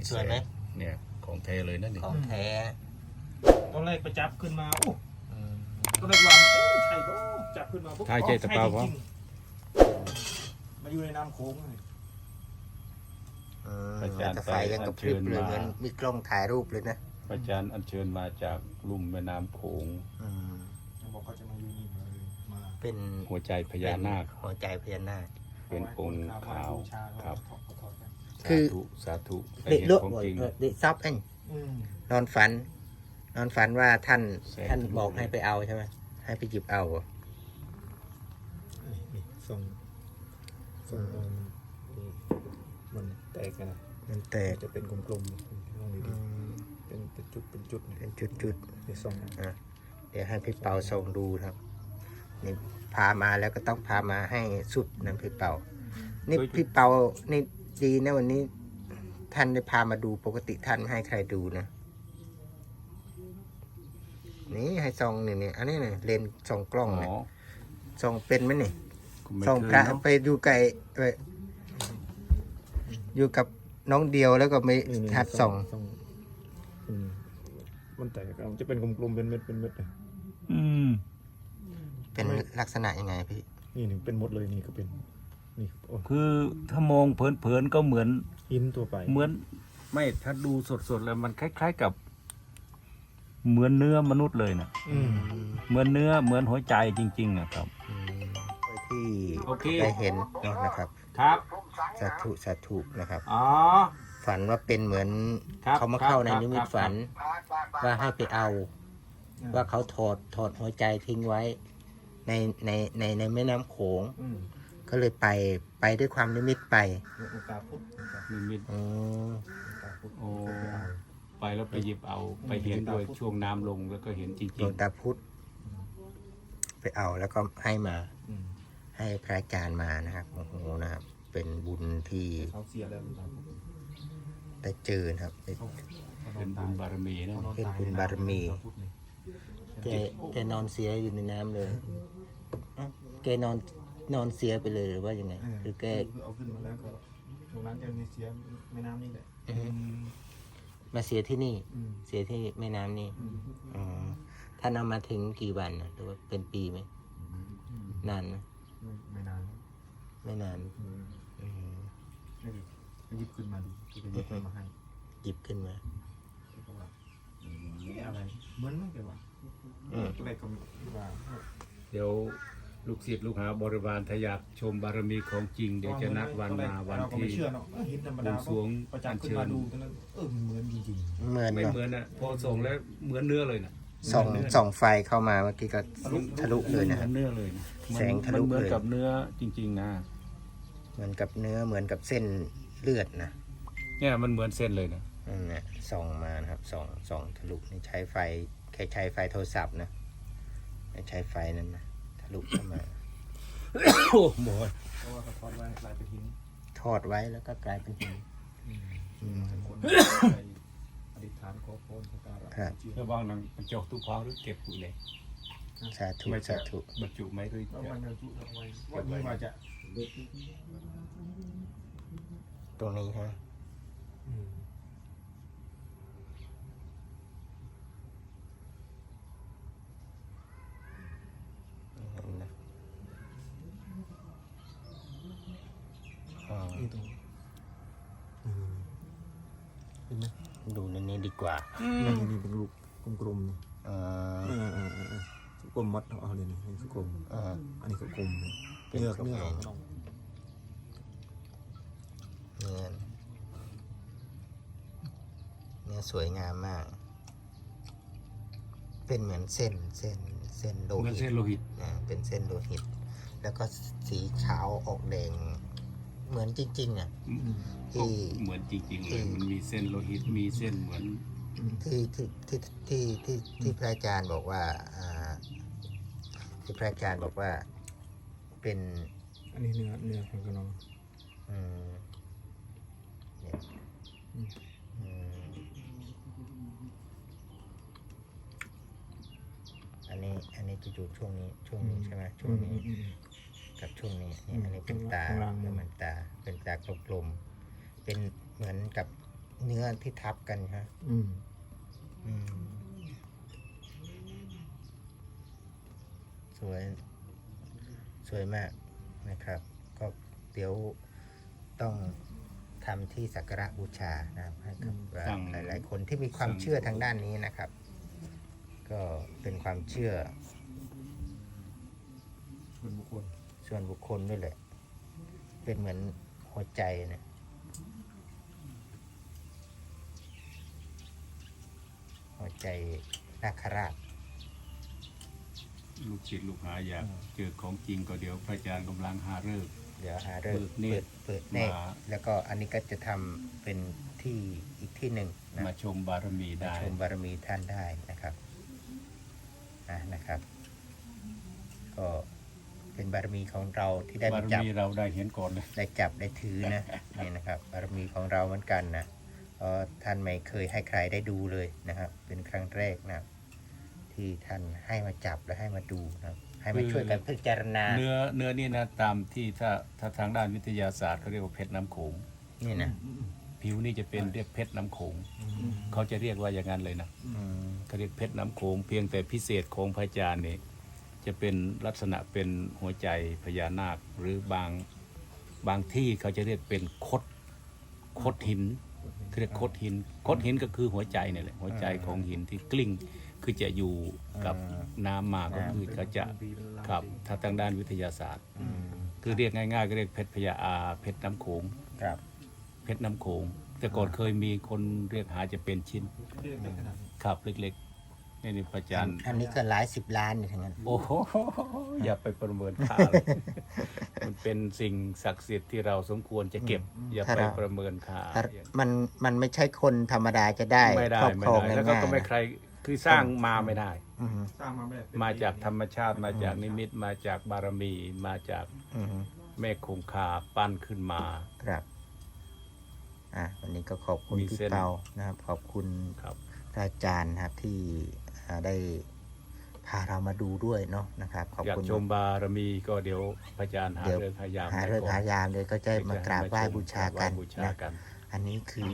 สวยไหมเนี่ยของแท้เลยนั่นนี่ของแท้ตอนแรกไปจับขึ้นมาโอ้อืมตอนแรกว่าเอ๊ะใช่ปะจับขึ้นมาปุ๊บใช่ใช่ตะเปาจวะริงๆมาอยู่ในน้ำโขงเลยแต่ไฟยังกระพริบเลยเหมือนมีกล้องถ่ายรูปเลยนะพระอาจารย์อัญเชิญมาจากลุ่มแม่น้ำโขงอืมบอกเขาจะมาอยู่นี่เลยมาเป็นหัวใจพญานาคหัวใจพญานาคเป็นองค์ขาวครับคือสาธุได้เด็กเห็นโลกของจริงเด็กซับเองอืมนอนฝัน นอนฝันว่าท่านแสงท่านทะลุบอกให้ไปเอาใช่ไหมให้ไปหยิบเอาเหรอนี่ส่งมันแตกกันนะมันแตกจะเป็นกลมๆลองดีๆเป็นจุดเป็นจุดเป็นจุดในส่งๆอ่ะเดี๋ยวให้พี่เปาส่งดูครับนี่พามาแล้วก็ต้องพามาให้สุดนะพี่เปานี่พี่เปานี่ดีนะวันนี้ ท่านได้พามาดูปกติท่านไม่ให้ใครดูนะ นี่ให้ส่องนี่อันนี้เนี่ยเลนส์ส่องกล้องอ๋เนี่ยอส่องเป็นไหมนี่ไม่ส่องเคพยระเนอะไปดูไก่ไปอยู่กับน้องเดียวแล้วก็ไม่ทัดส่องมันแตกมันจะเป็นกลมๆเป็นเม็ดเป็นเม็ดเลยอืมเป็นลักษณะยังไงพี่นี่เป็นหมดเลยนี่ก็เป็นนี่โอ้คือถ้ามองเผินๆก็เหมือนหินตัวไปเหมือนไม่ถ้าดูสดๆแล้วมันคล้ายๆกับ เหมือนเนื้อมนุษย์เลยนะอืมเหมือนเนื้อเหมือนหัวใจจริงๆนะครับที่โอเคได้เห็นเนาะนะครับครับสาธุนะครับอ๋อฝันว่าเป็นเหมือนครับเขามาเข้าในครับนิมิตครับฝัน ว่าให้ไปเอา ว่าเขาถอดหัวใจทิ้งไว้ ในแม่น้ำโขงอืมก็เลยไปด้วยความนิมิตไปโอกาสพุทธนิมิตอ๋อโอ้ไปแล้วไปหยิบเอาไปเห็นด้วยช่วงน้ำลงแล้วก็เห็นจหลริวงงตาพุธไปเอาแล้วก็ให้มาอืมให้พระอาจารย์มานะครับโอ้โหนะครับ เป็นบุญที่เขาเสียแล้วได้เจอนะครับได้ๆ เป็นบุญบารมีนะเป็นบุญบารมี แกนอนเสียอยู่ในน้ำเลยเอ้าแกนอนเสียไปเลยหรือว่ายังไงหรือแกเอาขึ้นมาแล้วก็ตรงนั้นจะมีเสียแม่น้ำนี่แหละมาเสียที่นี่อืมเสียที่แม่น้ำนี่อืมอ๋อท่านเอามาถึงกี่วันนะหรือว่าเป็นปีไหมนานไหมไม่นานไม่นานอืมอืมนี่หยิบขึ้นมาดูที่จะหยิบขึ้นมาให้หยิบขึ้นมาก็ว่าอะไรเหมือนไม่เกี่ยวว่าอืมอะไรก็ว่าเดี๋ยวลูกศิษย์ลูกหาบริวารถ้าอยากชมบารมีของจริง เดี๋ยวจะนัดวันมาวันเราก็ไม่ที่เชื่อเนาะเห็นธรรมดาบวงสรวงประจับขึ้นมาดูตอนนั้นมันเหมือนจริงเหมือนไม่เนาะเหมือนอ่ะพอส่งแล้วเหมือนเนื้อเลยนะส่องไฟเข้ามาเมื่อกี้ก็ทะลุเลยนะคเหรับมือนเนื้อเลยนะแสงทะลุมันเหมือนเลยกับเนื้อจริงๆนะเหมือนกับเนื้อเหมือนกับเส้นเลือดนะเนี่ยมันเหมือนเส้นเลยนะนั่นแหละส่องมานะครับส่องทะลุนี่ใช้ไฟแค่ใช้ไฟโทรศัพท์นะไม่ใช้ไฟนั้นนะทะลุเข้ามาโอ้โหๆเพราะว่าเขาทอดไว้กลายเป็นหินทอดไว้แล้วก็กลายเป็นหินคนไปอธิษฐานขอพรสักการะครับเชื่อระวังนังมันจกทุกพอหรือเก็บอยู่เลยสาธุไม่สาธุบรรจุไหมหรือแล้วจะมันจะจุเอาไว้ว่านี่มาจะตรงนี้ฮะ เห็นนะอ๋อนี่ตรงเห็นไหมดูในนี้ดีกว่านี่เป็นลูกกลมๆนี่อ่ากลมมัดเอาเลยนี่คือกลมอ่าอันนี้ก็กลมเป็นเนื้อกลมเนื้อเอง เนื้อสวยงามมาก เป็นเหมือนเส้นโลเหมือนหิเส้ตนโลหิตเป็นเส้นโลหิต แล้วก็สีขาวออกแดง เหมือนจริงๆอ่ะ ที่เหมือนจริงๆเลยมันมีเส้นโลหิตมีเส้นเหมือนที่พระอาจารย์บอกว่าที่พระอาจารย์บอกว่าเป็นอันนี้เนื้อของกระนองอืมเนี่ยอืมอันนี้จะอยู่ช่วงนี้ใช่ไหมช่วงนี้กับช่วงนี้นี่อันนี้เป็นตาเป็นเหมือนตาเป็นตากลมๆเป็นเหมือนกับเนื้อที่ทับกันฮะอืมอืมสวย สวยมากนะครับ ก็เดี๋ยวต้องทำที่สักการะบูชานะครับให้กับสั่งหลายๆคนที่มีความเชื่อทางด้านนี้นะครับ ก็เป็นความเชื่อส่วนบุคคลส่วนบุคคลด้วยแหละ เป็นเหมือนหัวใจนะหัวใจนาคราชลูกศิษย์ลูกหาอยากเจอของจริงก็เดี๋ยวพระอาจารย์กำลังหาฤกษ์เดี๋ยวหาเริ่มเปิดเนตรเปิดเนตรมาแล้วก็อันนี้ก็จะทำเป็นที่อีกที่หนึ่งนะมาชมบารมีมาได้ชมบารมีท่านได้นะครับนะครับ ก็เป็นบารมีของเราที่ได้บารมาจับมีเราได้เห็นก่อนเลยได้จับได้ถือนะ นี่นะครับบารมีของเราเหมือนกันนะเพราะท่านไม่เคยให้ใครได้ดูเลยนะครับ เป็นครั้งแรกนะครับที่ท่านให้มาจับและให้มาดูนะครับ ให้มาช่วยกันพิจารณาเนื้อนี่นะตามที่ถ้าทางด้านวิทยาศาสตร์เขาเรียกว่าเพชรน้ำโขงนี่นะผิวนี่จะเป็นเรียกเพชรน้ำโขงเขาจะเรียกว่าอย่างนั้นเลยนะอืมเขาเรียกเพชรน้ำโขงเพียงแต่พิเศษของพระอาจารย์เนี่ยจะเป็นลักษณะเป็นหัวใจพญานาคหรือบางที่เขาจะเรียกเป็นคดหินเขาเรียกคดหินก็คือหัวใจเนี่ยแหละหัวใจของหินที่กลิ้งคือจะอยู่กับน้ำมาก็คือเขาจะครับถ้าทางด้านวิทยาศาสตร์อืมคือเรียกง่ายๆก็เรียกเพชรพญาเพชรน้ำโขงครับเพชรน้ำโขงแต่ก่อนเคยมีคนเรียกหาจะเป็นชิ้นเรียกได้ขนาดนี้ครับเล็กๆนี่พระอาจารย์อันนี้ก็หลายสิบล้านอยู่ทั้งนั้นโอ้โหอย่าไปประเมินค่าเลย มันเป็นสิ่งศักดิ์สิทธิ์ที่เราสมควรจะเก็บ อย่าไปประเมินค่ามันไม่ใช่คนธรรมดาจะได้ไม่ได้ครอบไม่ครองได้ง่ายๆแล้วก็ไม่ใครคือสร้างมาไม่ได้อือฮึสร้างมาแบบมาจากธรรมชาติมาจากนิมิตมาจากบารมีมาจากอือฮึแม่คงคาปั้นขึ้นมาครับวันนี้ก็ขอบคุณมีพี่เส้นเปานะครับ ขอบคุณครับพระอาจารย์นะครับที่ได้พาเรามาดูด้วยเนาะนะครับ ขอบอยากคุณชมบารมีก็เดี๋ยวพระอาจารย์หาเดี๋ยวเรื่องพยายามหาเรื่องหายามเลยก็จะมากราบไหว้บูชากันบูชานะกันอันนี้คือ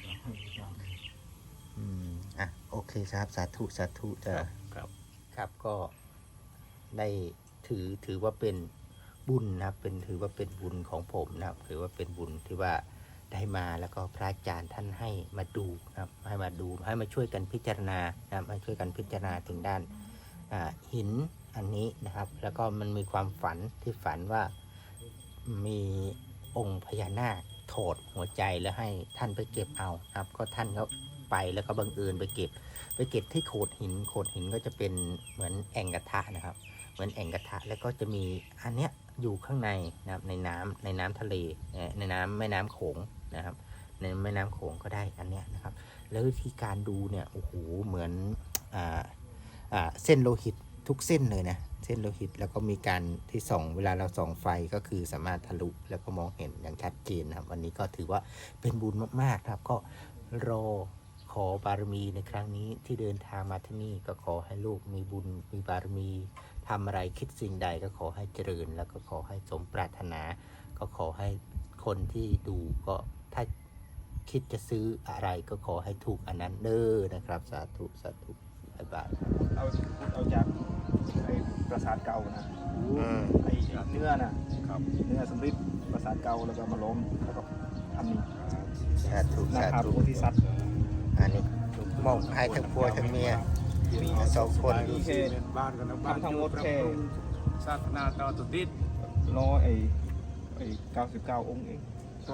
โอเคครับสาธุสาธุจะครับครับก็ได้ถือว่าเป็นบุญนะครับถือว่าเป็นบุญของผมนะครับถือว่าเป็นบุญที่ว่าได้มาแล้วก็พระอาจารย์ท่านให้มาดูนะครับให้มาดูให้มาช่วยกันพิจารณานะครับมาช่วยกันพิจารณาถึงด้านหินอันนี้นะครับ แล้วก็มันมีความฝันที่ฝันว่ามีองค์พญานาคโถดหัวใจแล้วให้ท่านไปเก็บเอานะครับก็ท่านก็ไปแล้วก็บังเอิญไปเก็บที่โขดหินก็จะเป็นเหมือนแอ่งกระทะนะครับ เหมือนแอ่งกระทะแล้วก็จะมีอันเนี้ยอยู่ข้างในนะครับในน้ำทะเลในแม่น้ำโขงนะครับ ในแม่น้ำโขงก็ได้อันเนี้ยนะครับ แล้ววิธีการดูเนี่ยโอ้โหเหมือนเส้นโลหิตทุกเส้นเลยนะเส้นโลหิตแล้วก็มีการที่ส่องเวลาเราส่องไฟก็คือสามารถทะลุแล้วก็มองเห็นอย่างชัดเจนนะครับวันนี้ก็ถือว่าเป็นบุญมากๆครับก็รอขอบารมีในครั้งนี้ที่เดินทางมาที่นี่ก็ขอให้ลูกมีบุญมีบารมีทำอะไรคิดสิ่งใดก็ขอให้เจริญแล้วก็ขอให้สมปรารถนา ก็ขอให้คนที่ดูก็ถ้าคิดจะซื้ออะไรก็ขอให้ถูกอันนั้นเด้อนะครับสาธุสาธุบ๊ายบายเอาจากไอ้ปราสาทเก่านะไอ้เนื้อน่ะเนื้อสำริดปราสาทเก่าแล้วก็มาล้มแล้วก็ทำนี่สาธุนาสาคาธุโพธิสัตว์อันนี้มอบให้ทั้งผัวทั้งเมียสองคนมีแค่บ้านกันนะทำทั้งหมดแค่ศาสนาต่อตุดิษไอ้99 องค์เอง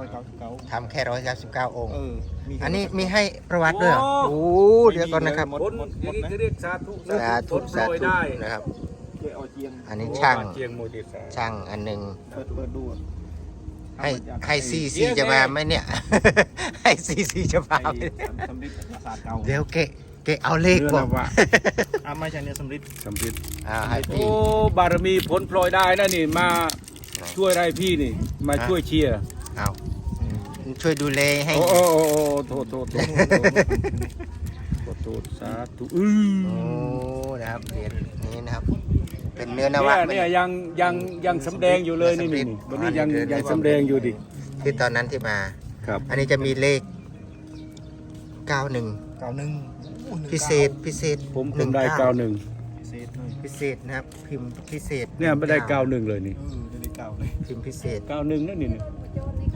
199 ทำแค่199 องค์มีอันนี้มีให้ประวัติด้วยเหรอโอ้เดี๋ยวก่อนนะครับคนอย่างนี้เขาเรียกสาธุสาธุสาโปรยธุได้นะครับช่วยเอาเจียงอันนี้ช่างเจียงโมดิสาช่างอันหนึ่งเปิดดูให้ซีจะมาไหมเนี่ย ให้ซีจะมาไหมไอ้สำริดปราสาทเก่าเดี๋ยวเกะเอาเลขเนื้อบอกนะวะไม่ใช่เนื้อสำริดสำริดให้พี่โอ้บารมีผลพลอยได้นะนี่มาช่วยอะไรพี่นี่ มาช่วยเชียร์เอาช่วยดูแลให้โอ้โอ้โอ้โทษโทษโทษโทษสาธุโอ้นะครับเหรียญนี้นะครับ เป็นเนื้อนวะเนี่ยยังสำแดงอยู่เลยนี่นี่วันนี้ยังสำแดงอยู่ดิที่ตอนนั้นที่มาครับอันนี้จะมีเลข 91พิเศษผมได้ 19 91 พิเศษเลยพิเศษนะครับพิมพ์พิเศษเนี่ยไม่ได้ 91 เลยนี่ได้เก้าเลยพิมพ์พิเศษ 91นั่นนี่โจนนี่ก็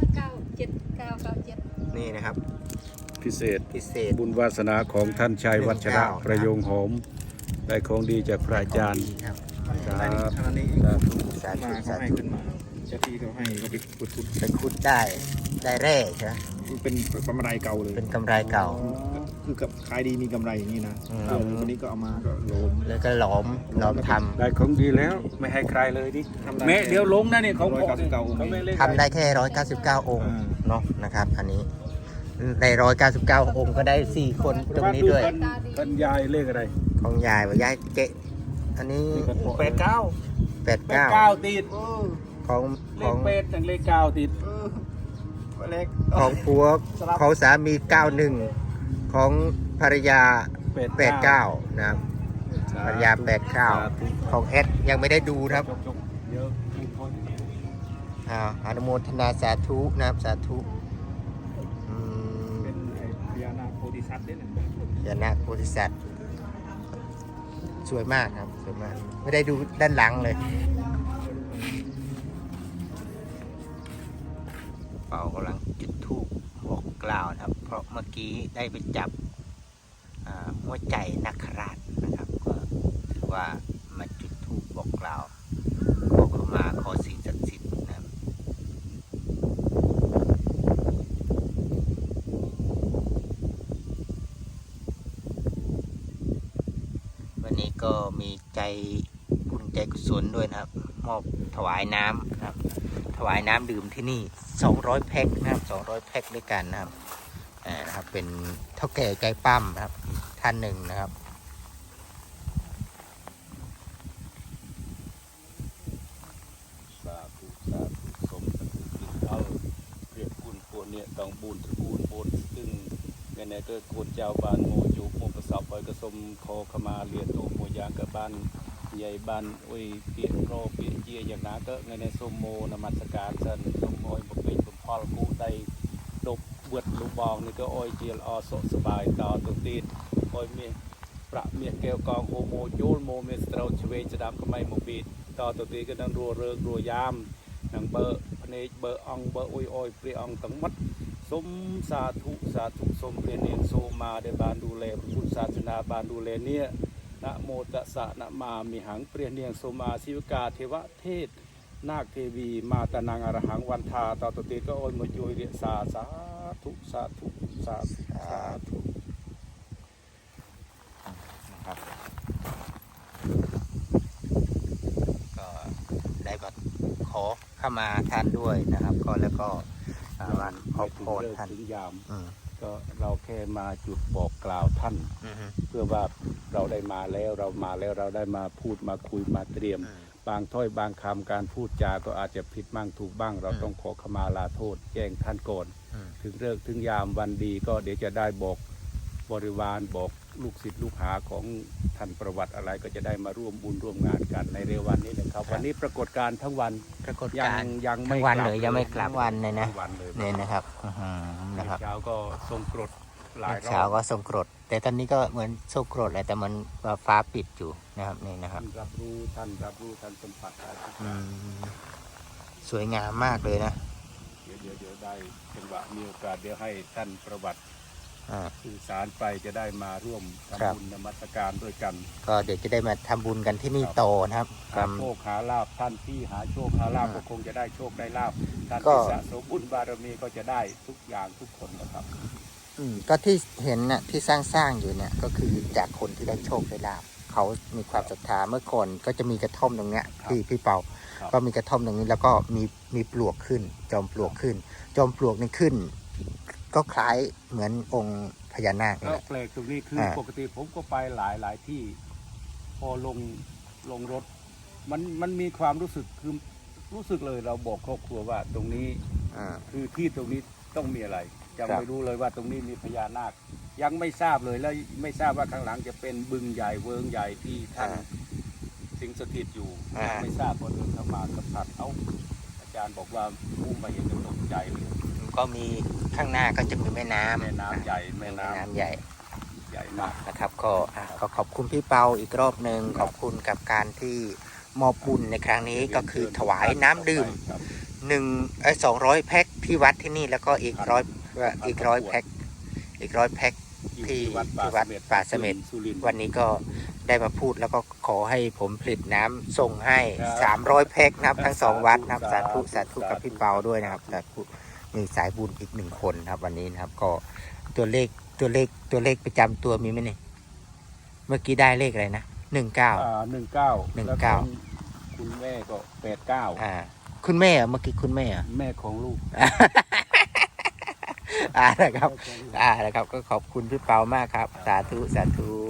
97 นี่นะครับพิเศษพิเศษบุญวาสนาของท่านชัยวัชระ 19 ประโยงหอม ได้ของดีจากพระอาจารย์ครับอันนี้อันนี้สาธุมาเขาสาให้ธุขึ้นมาเจ้าที่เขาให้เขาไปขุดไปขุดได้แร่ใช่ไหมเป็นกำไรเก่าเลยเป็นกำไรเก่าคือกับขายดีมีกำไรอย่างนี้นะอืมวันนี้ก็เอามาก็โลมแล้วก็หลอมทำได้ของดีแล้วไม่ให้ใครเลยดิทำได้แม่เดี๋ยวลงนะนี่ของพ่อ 199 เขาไม่เล่นทำได้แค่199 องค์อ่าเนาะนะครับ อันนี้ใน199 องค์ก็ได้ 4 คนตรงนี้ด้วยกันยายเลขอะไรของยายว่ายายเกะอันนี้ 89 89 ติดของเลขอขงเป็ดจังเลข9ติดเล็กของผัวสลับของสามี 91 ของภรรยา 89 นะครับภรรยา 89 ของเอสยังไม่ได้ดูนะครับจบเยอะอนุโมทนาสาธุนะครับสาธุอืมเป็นไอ้พญานาคโพธิสัตว์เนี่ยนะยานาคโพธิสัตว์สวยมากครับสวยมาก ไม่ได้ดูด้านหลังเลยเป่ากำลังจุดธูปบอกกล่าวนะครับ เพราะเมื่อกี้ได้ไปจับหัวใจนักราชนะครับก็ถือว่ามาจุดธูปบอกกล่าวขอเข้ามาขอสิ่งศักดิ์สิทธิ์นะครับวันนี้ก็มีใจบุญใจกุศลด้วยนะครับ มอบถวายน้ำนะครับ ถวายน้ำดื่มที่นี่200 แพ็คนะครับ200 แพ็คด้วยกันนะครับนะครับ เป็นเท่าแก่ใจปั้มนะครับท่านหนึ่งนะครับสาธุสาธุสมสกุลเอาเรียกคุณพวกเนี่ยต้องบุญตระกูลบุญซึ่งในไหนก็โกนเจ้าบ้านโมจุโมประสอบไปกระสมคอขมาเรียนตัวโมยางกับบ้านใหญ่บ้านอุ้ยเปียโรเปียเจียอย่างนั้นก็ในสมโมนมัสการสันสมโมยบกเป็นสมพอลกูได้ดบเบิดลูกบองนี่ก็อ้อยเจียลอสสบายต่อตัวตีนอ้อยเมียประเมียแก้วกองโฮโมโยลโมเมสเตรชเวจดามก็ไม่โมบีต่อตัวตีก็นั่งรัวเริงรัวยามนั่งเบอร์พเนจเบอร์องเบอร์อุ้ยอ้อยเปรียองตั้งมัดสมสาธุสาธุสมเรียนเนียนโซมาได้บานดูแลพระพุทธศาสนาบานดูแลเนี่ยนะโมตัสสะนะมามีหังเปลี่ยนเนียงโซมาศิวกาเทวเทศนาคเทวีมาตานางอรหังวันทาต่อตัวตีก็โอนมาโยยเรียสาธุสาธุสาธุสาธุนะครับก็ได้มาขอเข้ามาท่านด้วยนะครับ ก็แล้วก็มาขอบพรท่านถึงยามอืมก็เราแค่มาจุดบอกกล่าวท่านอือฮึเพื่อว่าเราได้มาแล้วเรามาแล้วเราได้มาพูดมาคุยมาเตรียม บางถ้อยบางคำการพูดจาก็อาจจะผิดบ้างถูกบ้าง เราต้องขอขมาลาโทษแจ้งท่านก่อนอืมถึงเลิกถึงยามวันดีก็เดี๋ยวจะได้บอกบริวารบอกลูกศิษย์ลูกหาของท่านประวัติอะไรก็จะได้มาร่วมบุญร่วมงานกันในเร็ววันนี้นะครับ วันนี้ปรากฏการณ์ทั้งวันปรากฏยัการณ์ยังไม่ทั้งวันกบเลยยังไม่กลับวันเลยนะทั้งวันเลยเนี่ยนะครับอื้อหือนะครับเช้าก็ทรงกรดหลายรเช้าอบก็ส่งกรด แต่ตอนนี้ก็เหมือนส่งกรดแหละแต่มันฟ้าปิดอยู่นะครับนี่นะครับท่านรับรู้ท่านสัมผัสได้ทุกออืย่างมสวยงามมากเลยนะเดี๋ยวได้จังหวะมีโอกาสเดี๋ยวให้ท่านประวัติอ่าสื่อสารไปจะได้มาร่วมครับทำบุญนมัสการด้วยกันก็เดี๋ยวจะได้มาทำบุญกันที่นี่โตอนะครับหาโชคหาลาภท่านที่หาโชคหาลาภก็คงจะได้โชคได้ลาภท่านก็ที่สะสมบุญบารมีก็จะได้ทุกอย่างทุกคนนะครับก็ที่เห็นน่ะที่สร้างอยู่เนี่ยก็คือจากคนที่ได้โชคได้ลาภเขามีความศรัทธาเมื่อก่อนก็จะมีกระท่อมตรงเนี้ยครับที่พี่เปาครับก็มีกระท่อมตรงนี้แล้วก็มีปลวกขึ้น จอมปลวกขึ้น จอมปลวกนี่ขึ้น ก็คล้ายเหมือนองค์พญานาคนี่แล้แหวละแปลกตรงนี้คือปกติผมก็ไปหลายที่ พอลงรถ มันมีความรู้สึกคือรู้สึกเลยเราบอกครอบครัวว่าตรงนี้อ่าคือที่ตรงนี้ต้องมีอะไรยังครับไม่รู้เลยว่าตรงนี้มีพญานาค ยังไม่ทราบเลยแล้วไม่ทราบว่าข้างหลังจะเป็นบึงใหญ่เวิงใหญ่ที่ท่านสิงสถิตอยู่ยังไม่ทราบพอเดินเข้ามาสัมผัสเอาอาจารย์บอกว่าผู้มาเห็นก็ตกใจเลยกก็มีข้างหน้าก็จะมีแม่น้ำแม่น้ำใหญ่แม่แม่น้ำน้ำใหญ่ใหญ่มากนะครับก็ขอบคุณพี่เปาอีกรอบหนึ่งขอบคุณกับการที่มอบบุญในครั้งนี้ก็คือถวายน้ำดื่มครับ 200 แพ็คที่วัดที่นี่แล้วก็อีกร้อยแพ็คที่วัดป่าเสม็ดสุรินทร์วันนี้ก็ได้มาพูดแล้วก็ขอให้ผมผลิตน้ำส่งให้ครับ 300 แพ็คนะครับทั้ง 2 วัดนะครับสาสาธุธุสาธุกับพี่เปาด้วยนะครับสาธุมีสายบุญอีก1 คนครับวันนี้นะครับก็ตัวเลขประจำตัวมีไหมเนี่ยเมื่อกี้ได้เลขอะไรนะ19 19 แล้วของคุณแม่ก็89 คุณแม่เหรอเมื่อกี้คุณแม่เหรอแม่ของลูกนะครับนะครับก็ขอบคุณพี่เปามากครับ สาธุ